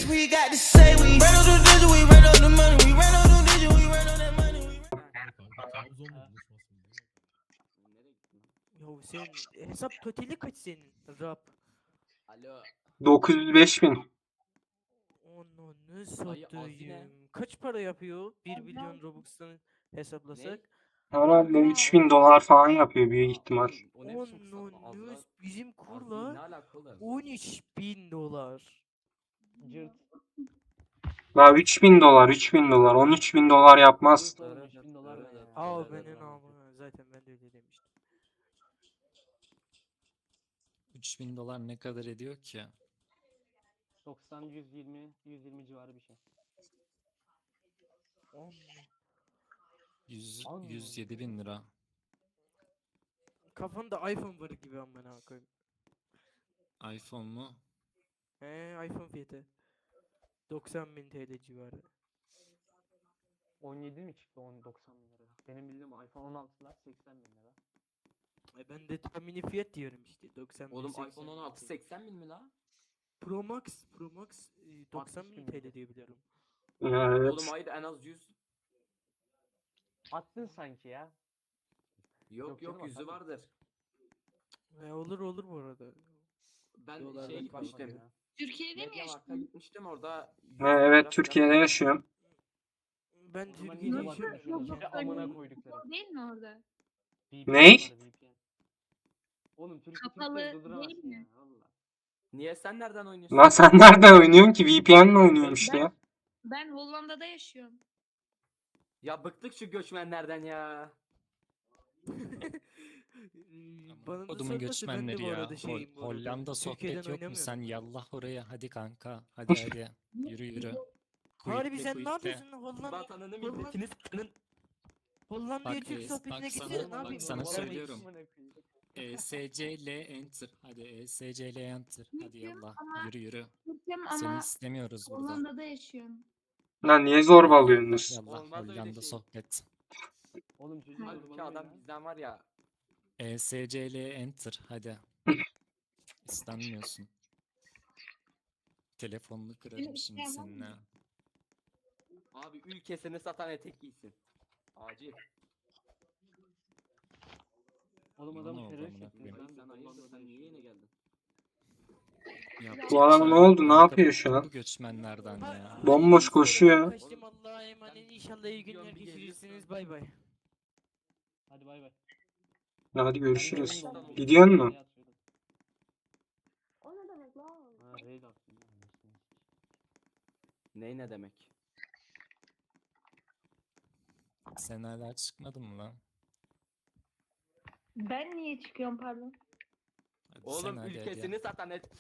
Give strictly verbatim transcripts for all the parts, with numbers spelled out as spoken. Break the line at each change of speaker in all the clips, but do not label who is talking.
we got to say we ran on the digit, we ran on the money, we ran on the digit, we ran on that money. we ran-
Kanka Trabzon mu buluşmasın diye.
Nereye gittin lan?
Yo sen hesap totali kaç senin rap?
Alo.
dokuz yüz beş bin.
Onu ne
Dayı,
satayım? Kaç para yapıyor? bir milyon Robux'tan hesaplasak.
Herhalde üç bin dolar falan yapıyor büyük ihtimal.
O ne biçim kısaltma?
Onu
Az daha-
bizim
az değil,
kurla
ne alaka oğlum?
on üç bin dolar.
Cırt.
Daha üç bin dolar, üç bin dolar, on üç bin dolar yapmaz.
Cırt oğlum, üç bin dolar ne ya?
Aa benim amına zaten ben de öyle demiştim.
üç bin dolar ne kadar ediyor ki?
doksan, yüz yirmi, yüz yirmi civarı bir şey.
On.
yüz,
Allah
yüz yedi bin lira.
Kafanda iPhone var gibi amına koyayım.
iPhone mu?
He iPhone fiyatı. doksan bin T L civarı.
on yedi mi çıktı? on doksan bin lira. Benim bildiğim iPhone on altılar seksen bin lira.
E ben de tahmini fiyat diyorum işte doksan bin.
Oğlum
seksen
iPhone
bin
on altı
TL.
seksen bin mi la?
Pro Max, Pro Max e, doksan bin
bin
T L
lira.
diye biliyorum.
Evet.
Oğlum hayır en az yüz.
Attın sanki ya.
Yok
Yok
yok
canım,
yüzü
atamam.
vardır.
E, olur olur bu arada.
Ben
Dolardan
şeye
bakmadım
gitmiştim.
ya.
Türkiye'de mi
Mediamarkt'a
yaşıyorsun?
gitmiştim orada. yüz
Ha,
lira
evet
falan-
Türkiye'de yaşıyorum.
Ben
O zaman
Türkiye'de
iyice
Nasıl
yaşıyorum.
bakmışsınız.
yok,
Bir de
yok,
amına
öyle
koydukları.
Değil mi orada?
V P N
Ney?
var, V P N. Oğlum Türk
Kapalı
Türkleri
değil
durduramazsın
mi?
ya. Valla.
Niye sen nereden oynuyorsun?
Lan sen nerede oynuyorsun ki? V P N'le oynuyorum işte ya.
Ben Hollanda'da yaşıyorum.
Ya bıktık şu göçmenlerden ya.
Bana da
Kodumun
sorması ben de
göçmenleri
bu
ya.
arada
Hol-
şeyim bu arada.
Hollanda sohbet
Türkiye'den
yok mu?
oynamıyorum.
Sen yallah oraya. Hadi kanka. Hadi hadi. Yürü yürü.
Harbi
Quit'le,
sen ne
quit'le.
yapıyorsun Hollanda?
Vatanını
Hollanda-
milletini satanın.
Hollanda'ya
Bak,
Türk
e,
sohbetine
bak sana-
gitsene ne
bak
yapayım?
sana
Vallahi
söylüyorum.
Amına koyayım.
E S C L enter. Hadi E S C L enter. Hadi yallah.
ama-
Yürü yürü.
Türk'üm
Seni
ama
istemiyoruz burada.
Hollanda'da yaşıyorum.
Lan niye zorbalıyorsunuz?
Yallah
Olmaz öyle
Hollanda
şey.
sohbet.
Oğlum çocuğu
Halbuki
zorbalama
adam
ya.
bizden var ya.
E S C L enter. Hadi. İstenmiyorsun. Telefonunu kırarım
Seni
şimdi
istemem
seninle.
mi?
Abi ülkesini satan etek giysin. Acil.
Oğlum
Bana
adamı
oldu
terörist
amına
ettiniz
koyayım.
lan.
Sen hayırdır sen niye yine geldin?
Yapacak
Bu adam
şey
ne
yok.
oldu? Ne
Kanka,
yapıyor şu an?
Bu göçmenlerden ya.
Bomboş koşuyor.
Kaçtım Allah'a emanet. İnşallah iyi günler
Gidiyorum, bir
geçirirsiniz.
geliyorsun.
Bay bay.
Hadi bay bay.
Hadi
Ben
görüşürüz.
de oyun
Gidiyor
oynadım,
mu?
şey atıyordum.
O ne demek lan?
Ha raid attım. ya, anasını.
Ney ne demek?
Sen hala çıkmadın mı lan?
Ben niye çıkıyorum pardon?
Hadi sen
Oğlum
hadi hadi.
ülkesini satan et.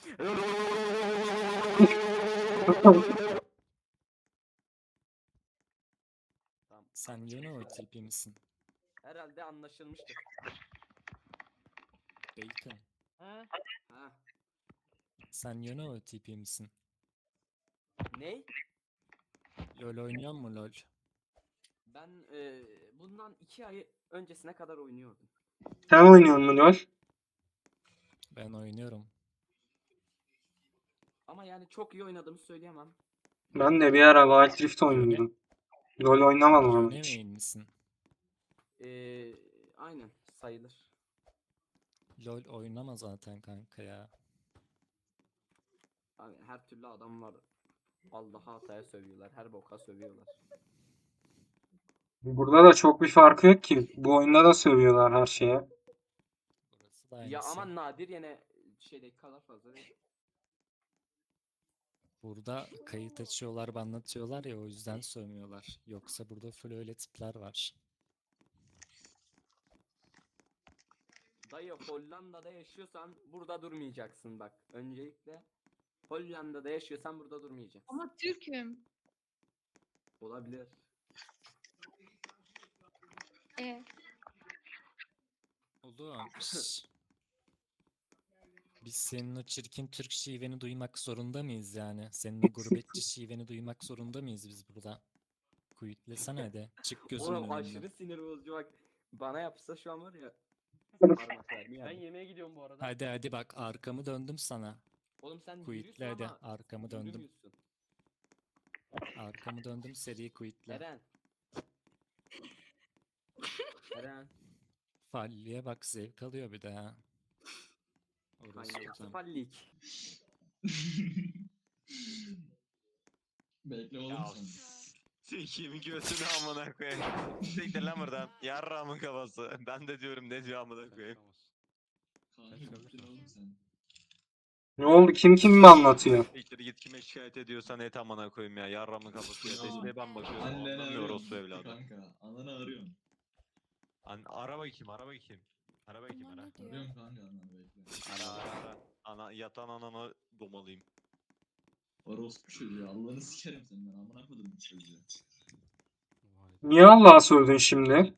Tamam.
Sen yine o tipi misin?
Herhalde anlaşılmıştır.
Bacon.
Ha?
Ha.
Sen yine o tipi misin?
Ney?
LoL oynuyor mu LoL?
Ben e, bundan iki ay öncesine kadar oynuyordum.
Sen oynuyor musun LoL?
Ben oynuyorum.
Ama yani çok iyi oynadığımı söyleyemem.
Ben de bir ara Wild Rift oynuyordum. LoL oynamadım ama
Yone
hiç.
şey.
main misin?
E, aynen sayılır.
LoL oynama zaten kanka ya.
Abi her türlü adam var. Allah'a hataya sövüyorlar. Her boka sövüyorlar.
Burada da çok bir farkı yok ki. Bu oyunda da sövüyorlar her şeye.
Burası da
Ya
aynısı.
ama nadir yine şeydeki kadar fazla değil.
Burada kayıt açıyorlar, anlatıyorlar ya o yüzden sövmüyorlar. Yoksa burada full öyle tipler var.
Dayı Hollanda'da yaşıyorsan burada durmayacaksın bak. Öncelikle Hollanda'da yaşıyorsan burada durmayacaksın.
Ama Türk'üm.
Olabilir.
E,
Oğlum. şş. Biz senin o çirkin Türk şiveni duymak zorunda mıyız yani? Senin o gurbetçi şiveni duymak zorunda mıyız biz burada? Kuyutlesene hadi. Çık gözümün
Oğlum
önünden.
aşırı sinir bozucu bak. Bana yapsa şu an var ya. Parmak vermiyor
Ben
yani.
yemeğe gidiyorum bu arada.
Hadi hadi bak arkamı döndüm sana.
Oğlum sen
Quit'le
yürüyorsun
hadi
ama
arkamı döndüm.
yürümüyorsun.
Arkamı döndüm seri quit'le.
Eren. Eren.
Falliye bak zevk alıyor bir de ha. Orası
Kaynağı
tutam.
fallik.
Bekle oğlum
Ya
sen.
Sikiyim götünü amına koyayım. Siktir lan buradan. Yarrağımın kafası. Ben de diyorum ne diyor amına koyayım.
Kanka gittin oğlum sen.
Ne oldu? Kim kim mi anlatıyor?
Siktir git kime şikayet ediyorsan et amına koyayım ya. Yarrağımın kafası ya.
Ya,
Desteğe ben bakıyorum.
Anneni
Anlamıyor
arıyorum.
orospu evladı.
Kanka ananı arıyorum.
An ara bakayım ara bakayım. Ara bakayım ara.
Arıyorum kanka ananı bekle.
Ara ara ara. Ana, yatan ananı domalıyım.
Orospu çocuğu Allah'ını sikerim senin ben amına koydum bu çocuğu.
Niye Allah'a sövdün şimdi?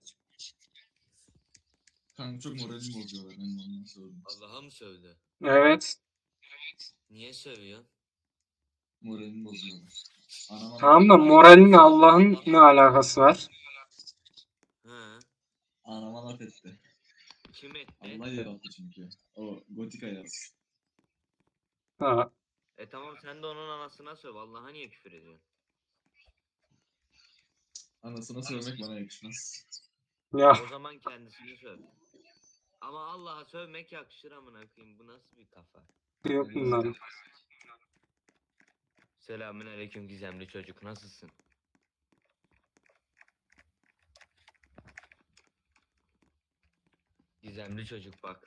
Kanka çok moralimi bozuyorlar ben de ondan sordum.
Allah'a mı sövdü?
Evet.
Niye sövüyor?
Moralimi bozuyorlar. Anama
Tamam da moralinle Allah'ın ne alakası var?
Ha?
Anama laf etti.
Kim etti?
Allah yarattı çünkü. O gotik ayaz.
Ha.
E tamam sen de onun anasına söv. Allah'a niye küfür ediyorsun?
Anasına sövmek bana yakışmaz.
Ya
O zaman kendisini söv. Ama Allah'a sövmek yakışır amına koyayım. Bu nasıl bir kafa?
yok bunların.
Selamünaleyküm gizemli çocuk. Nasılsın? Gizemli çocuk bak.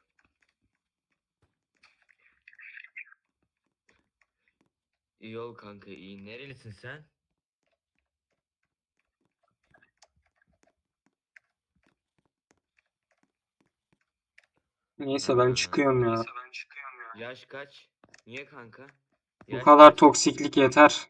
İyi ol kanka iyi. Nerelisin sen?
Neyse ben çıkıyorum ya.
Yaş kaç? Niye kanka?
Bu
Yaş
kadar
kaç?
toksiklik yeter.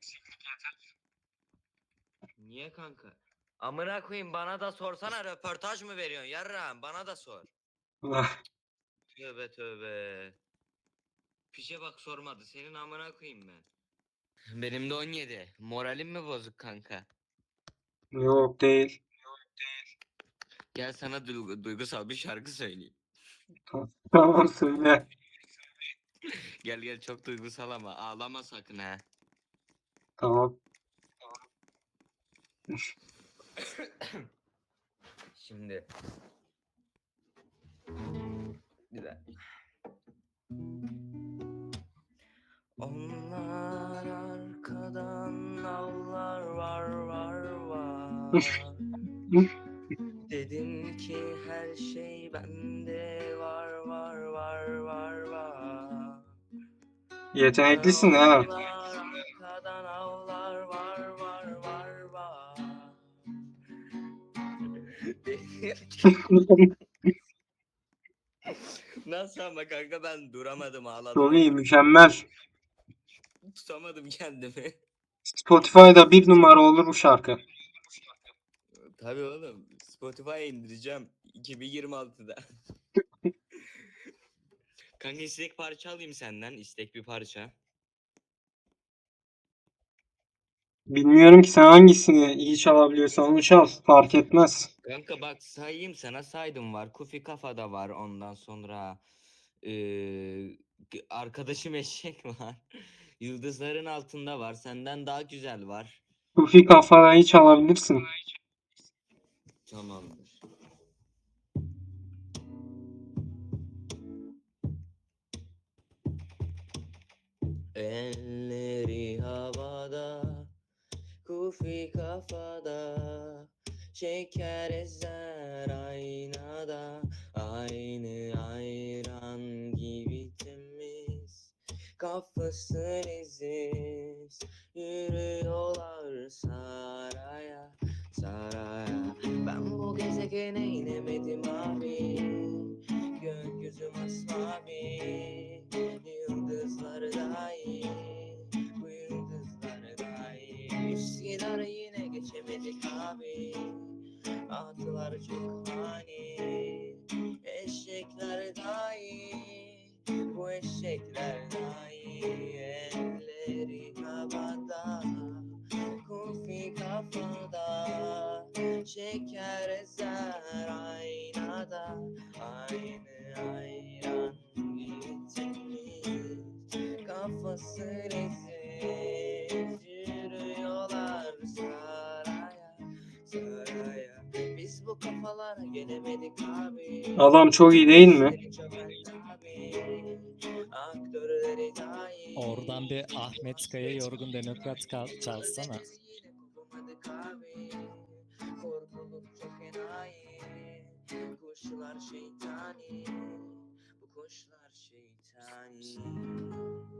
Niye kanka? Amına koyayım bana da sorsana röportaj mı veriyorsun yarrağım bana da sor.
Ah,
Tövbe tövbe. Pişe bak sormadı senin amına koyayım ben. Benim de on yedi. Moralim mi bozuk kanka?
Yok değil.
Gel sana duygu- duygusal bir şarkı söyleyeyim.
Tamam söyle.
Gel gel çok duygusal ama ağlama sakın ha.
Tamam.
Şimdi. Bir dakika. Onlar arkadan avlar var var var. Dedim ki her şey bende var var var var var.
Yeteneklisin ha.
Onlar arkadan avlar var var var var. Nasıl ama kanka ben duramadım ağladım.
Çok iyi, mükemmel.
Tutamadım kendimi.
Spotify'da bir numara olur bu şarkı.
Tabii oğlum. Spotify'a indireceğim. iki bin yirmi altıda. Kanka istek parça alayım senden. İstek bir parça.
Bilmiyorum ki sen hangisini iyi çalabiliyorsan onu çal. Fark etmez.
Kanka bak sayayım sana saydım var. Kufi Kafa'da var ondan sonra. Eee arkadaşım eşek var. Yıldızların altında var. Senden daha güzel var.
Kufi kafayı çalabilirsin.
Tamamdır. Elleri havada, kufi kafada, şeker ezer aynada, aynı ayran gibi temiz, kafası leziz, yürüyorlar saraya, saraya. Ben bu gezegene inemedim abi, gökyüzü masmavi, yıldızlar dahi, bu yıldızlar dahi. Üsküdar'ı yine geçemedik abi, atlar çok hani, eşekler dahi, bu eşekler dahi. Elleri havada, kufi kafada, şeker ezer aynada, aynı ayran gibi temiz, kafası leziz, yürüyorlar bu kafalara gelemedik abi.
Adam çok iyi değil mi?
İşleri çömeldi abi. Aktörleri dahi.
Oradan bir Ahmet Kaya Yorgun Demokrat kal- çalsana.
Yine kopamadık abi. Korkuluk çok enayi. Kuşlar şeytani. Bu kuşlar şeytani.